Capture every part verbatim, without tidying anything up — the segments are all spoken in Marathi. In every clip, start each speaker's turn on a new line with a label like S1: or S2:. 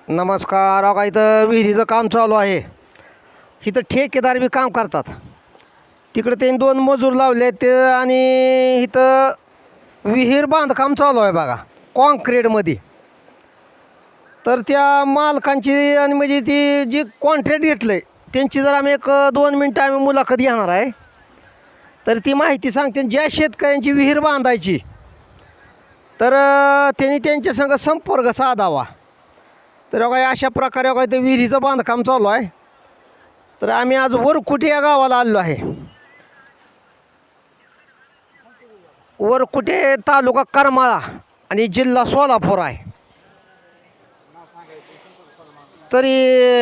S1: नमस्कार. अहो, का इथं विहिरीचं काम चालू आहे. इथं ठेकेदार बी काम करतात. तिकडे त्यांनी दोन मजूर लावले ते आणि इथं विहीर बांधकाम चालू आहे बघा कॉन्क्रीटमध्ये. तर त्या मालकांची आणि म्हणजे ती जी कॉन्ट्रॅक्ट घेतलं आहे त्यांची जर आम्ही एक दोन मिनटं आम्ही मुलाखत घेणार आहे. तर ती माहिती सांगते ज्या शेतकऱ्यांची विहीर बांधायची तर त्यांनी त्यांच्या संग संपर्क साधावा. तर काय अशा प्रकारे काय ते विहिरीचं बांधकाम चालू आहे. तर आम्ही आज वरकुटे या गावाला आलो आहे. वरकुटे तालुका करमाळा आणि जिल्हा सोलापूर आहे. तरी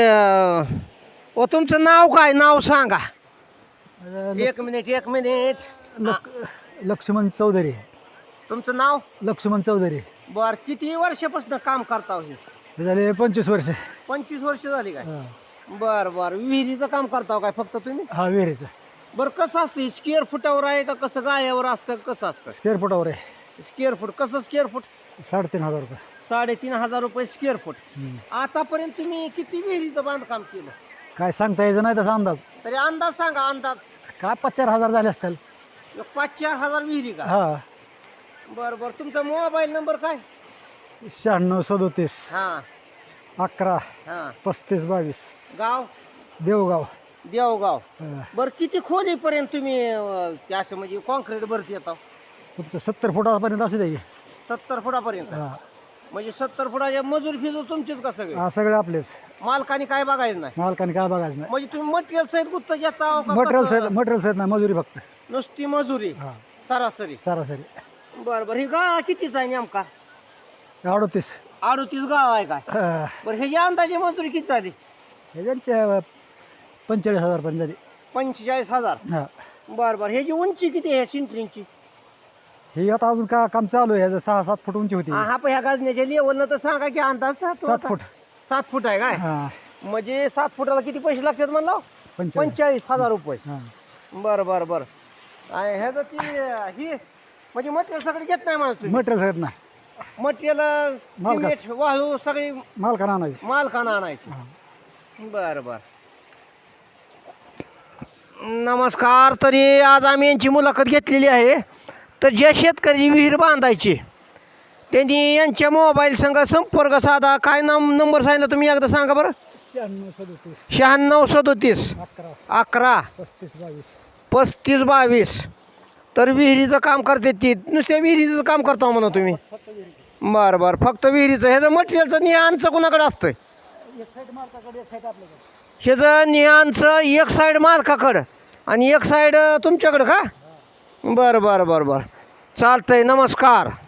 S1: ओ तुमचं नाव काय, नाव सांगा. एक मिनिट एक मिनिट
S2: लक लक्ष्मण चौधरी.
S1: तुमचं नाव?
S2: लक्ष्मण चौधरी.
S1: बर, किती वर्षापासून काम करता हे?
S2: हे झाले पंचवीस वर्ष.
S1: पंचवीस वर्ष झाली काय?
S2: हा.
S1: बर बर. विहिरीचं काम करता काय फक्त तुम्ही?
S2: हा, विहिरीचं.
S1: बरं, कसं असतं स्क्वेअर फुटावर आहे का कसं गायावर असतं, कसं असतं?
S2: स्क्वेअर फुटावर आहे.
S1: स्क्वेअर फूट कसं? स्क्वेअर फूट
S2: साडेतीन हजार रुपये.
S1: साडेतीन हजार रुपये स्क्वेअर फूट.
S2: हम्म.
S1: आतापर्यंत तुम्ही किती विहिरीचं बांधकाम केलं?
S2: काय सांगता यायचं नाही तसा अंदाज.
S1: तरी अंदाज सांगा. अंदाज
S2: काय पाच चार हजार झाले असतील.
S1: एक पाच चार हजार विहिरी का?
S2: हा.
S1: बरं बरं. तुमचा मोबाईल नंबर काय?
S2: शहाण्णव सदोतीस
S1: हां
S2: अकरा
S1: हां.
S2: पस्तीस बावीस.
S1: गाव?
S2: देवगाव.
S1: देवगाव.
S2: हा.
S1: बरं, किती खोलीपर्यंत तुम्ही अं, ते असं म्हणजे कॉन्क्रीट भरती येतात?
S2: तुमचं सत्तर फुटापर्यंत असू द्या की.
S1: सत्तर फुटापर्यंत.
S2: हा.
S1: म्हणजे सत्तर फुटाच्या मजूर फिजूर तुमचीच का सगळे?
S2: हा, सगळे आपलेच.
S1: मालकाने काय बघायचं नाही?
S2: मालकाने काय बघायचं नाही.
S1: म्हणजे तुम्ही मटेरियल सहित गुत्त घेता का
S2: मटेरियल
S1: कसं?
S2: सहित मटेरियल सहित नाही, मजुरी फक्त.
S1: नुसती मजुरी
S2: हा,
S1: सरासरी?
S2: सरासरी.
S1: बरं बरं. ही गाळा कितीच आहे नेमका?
S2: अडतीस.
S1: अडतीस गाळा आहे काय?
S2: हा.
S1: बरं, ह्याची अंदाजे मजुरी किती झाली?
S2: हे त्यांच्या पंचेचाळीस हजार पर्यंत झाली.
S1: पंचेचाळीस हजार.
S2: हा.
S1: बरं बरं. ह्याची उंची किती आहे सिंटरिंगची?
S2: ही आता अजून का काम चालू आहे. ह्याचं सहा सात फूट उंची होती.
S1: हा पण ह्या गाजण्याच्या लेवलनं तर सांगा की अंदाज. सात
S2: सात फूट.
S1: सात फूट आहे काय?
S2: हा.
S1: म्हणजे सात फुटाला किती पैसे लागतात म्हणलं?
S2: पंचेचाळीस.
S1: पंचेचाळीस हजार रुपये.
S2: हा.
S1: बरं बरं बरं. आणि ह्याचं ती ही म्हणजे मटेरियल सगळं घेत नाही मला तुम्ही?
S2: मटेरियल सहित नाही,
S1: मटेरियल
S2: मालकाचं.
S1: सिमेंट वाळू सगळी
S2: मालकानं आणायची.
S1: मालकानं आणायची?
S2: हा.
S1: बरं बरं. नमस्कार. तरी आज आम्ही यांची मुलाखत घेतलेली आहे. तर ज्या शेतकऱ्याची विहीर बांधायची त्यांनी यांच्या मोबाईल संग संपर्क साधा. काय नाम नंबर सांगितलं तुम्ही एकदा सांगा बरं?
S2: शहाण्णव सदोतीस
S1: शहाण्णव सदोतीस
S2: अकरा
S1: अकरा
S2: पस्तीस बावीस.
S1: पस्तीस बावीस. तर विहिरीचं काम करते ती? नुसत्या विहिरीचं काम करता म्हणा तुम्ही? बरं बरं. फक्त विहिरीचं. ह्याचं मटेरियलचं निहानचं कोणाकडे असतं?
S2: एक साईड मालकाकडे, एक साईड आपल्याकडे.
S1: ह्याचं निहानचं एक साईड मालकाकडं आणि एक साईड तुमच्याकडं का? बरं बरं बरं बरं. चालतंय. नमस्कार.